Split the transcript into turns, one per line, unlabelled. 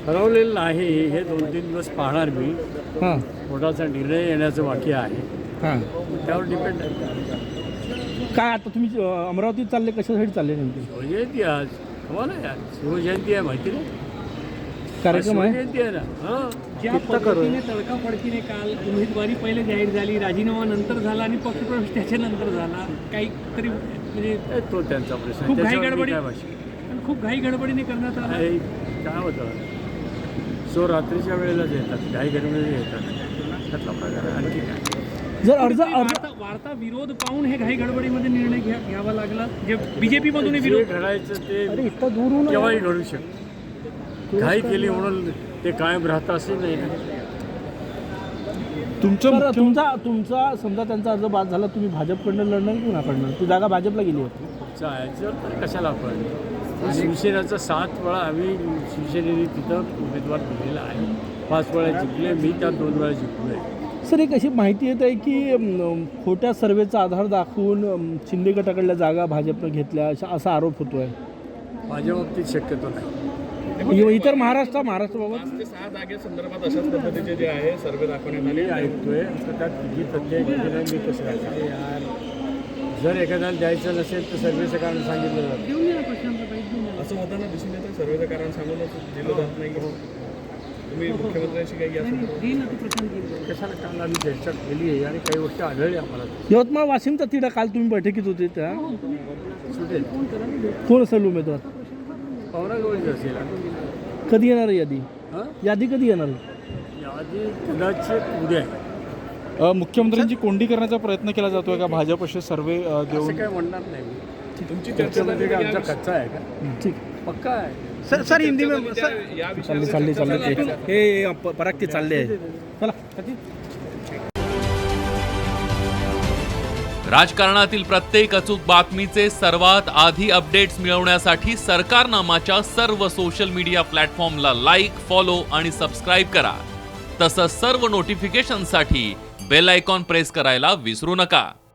ठरवलेलं नाही, हे 2-3 दिवस पाहणार मी.
हां
कोर्टाचा निर्णय येण्याचं बाकी आहे,
हां.
त्यावर डिपेंड आहे.
काय आता तुम्ही अमरावतीत चालले, कशासाठी चालले नेमके?
शिवजयंती आज, तुम्हाला यार शिवजयंती आहे माहिती नाही?
कार्यक्रम आहे?
शिवजयंती आहे ना. हां,
ज्या पद्धतीने तडकाफडकीने काल उमेदवारी पहिले जाहीर झाली, राजीनामा नंतर झाला आणि पक्षप्रवेश त्याच्यानंतर झाला, काहीतरी म्हणजे
तो त्यांचा प्रश्न.
खूप घाई
त्याच्यावर मी
गडबडी
काय भाषण.
पण खूप घाई गडबडीने करण्यात आला.
काय होतं, सो रात्रीच्या वेळेलाच येतात, घाई गडबडीने येतात, त्यातला प्रकार आहे. आणखी काय?
जर अर्ज
वार्ता विरोध पाहून हे घाई गडबडीमध्ये निर्णय घ्यावा लागला, जे बीजेपी मधून
जे
विरोध.
घडायचं ते
इतका दूर होऊन
केव्हाही घडू शकतं. घाई केली म्हणून ते कायम राहतं असं नाही ना.
तुमचा समजा त्यांचा अर्ज बाद झाला, तुम्ही भाजपकडनं लढणार की कुणाकडनं? ती जागा भाजपला गेली होती.
जायचं तर कशाला आपण, शिवसेनेचा 7 वेळा आम्ही शिवसेनेने तिथं उमेदवार दिलेला आहे. 5 वेळा जिंकले मी, त्यात 2 वेळा जिंकलो आहे.
सर, एक अशी माहिती येत आहे की खोट्या सर्वेचा आधार दाखवून शिंदे गटाकडल्या जागा भाजपनं घेतल्या, असा आरोप होतो आहे.
माझ्या बाबतीत शक्यतो नाही.
इतर महाराष्ट्राबाबत
5 ते 6 जागेसंदर्भात अशाच पद्धतीचे जे आहे सर्वे दाखवण्यात आले.
मी ऐकतोय तर त्यात किती तथ्य किती नाही मी कसं राहायचं यार. जर एखाद्याला द्यायचं नसेल तर सर्वेचं कारण सांगितलं जातं.
घेऊन या प्रशांतबाई, घेऊन या.
असं होताना दिसून येतं, सर्वेचं कारण सांगूनच दिलं जात नाही. तुम्ही मुख्यमंत्र्यांशी काही या संदर्भात
घेईन ना तू प्रशांत, घेईन.
कशाला काल आम्ही चर्चा केली आहे आणि काही गोष्टी आढळल्या आम्हाला.
यवतमाळ वाशिमचा तिढा, काल तुम्ही बैठकीत होते त्या,
सुटेल
कोण असेल उमेदवार?
पवनाजवळच असेल.
कधी येणार आहे यादी?
हां,
यादी कधी येणार आहे?
यादी कदाचित उद्या आहे.
मुख्यमंत्र्यांची कोंडी करण्याचा प्रयत्न केला जातोय का भाजप असे सर्वे देऊन?
असं काय म्हणणार नाही मी.
तुमची चर्चा
त्याच्यामध्ये
झाली
काय आमचा कच्चा आहे का?
ठीक.
पक्का आहे.
सर हिंदी में
या
चालले हे पराग ते चालले आहे. चला.
राजकारणातील प्रत्येक अचूक बातमीचे सर्वात आधी अपडेट्स मिळवण्यासाठी सरकारनामाच्या सर्व सोशल मीडिया प्लॅटफॉर्मला लाईक, फॉलो आणि सबस्क्राईब करा. तसंच सर्व नोटिफिकेशनसाठी बेल आयकॉन प्रेस करायला विसरू नका.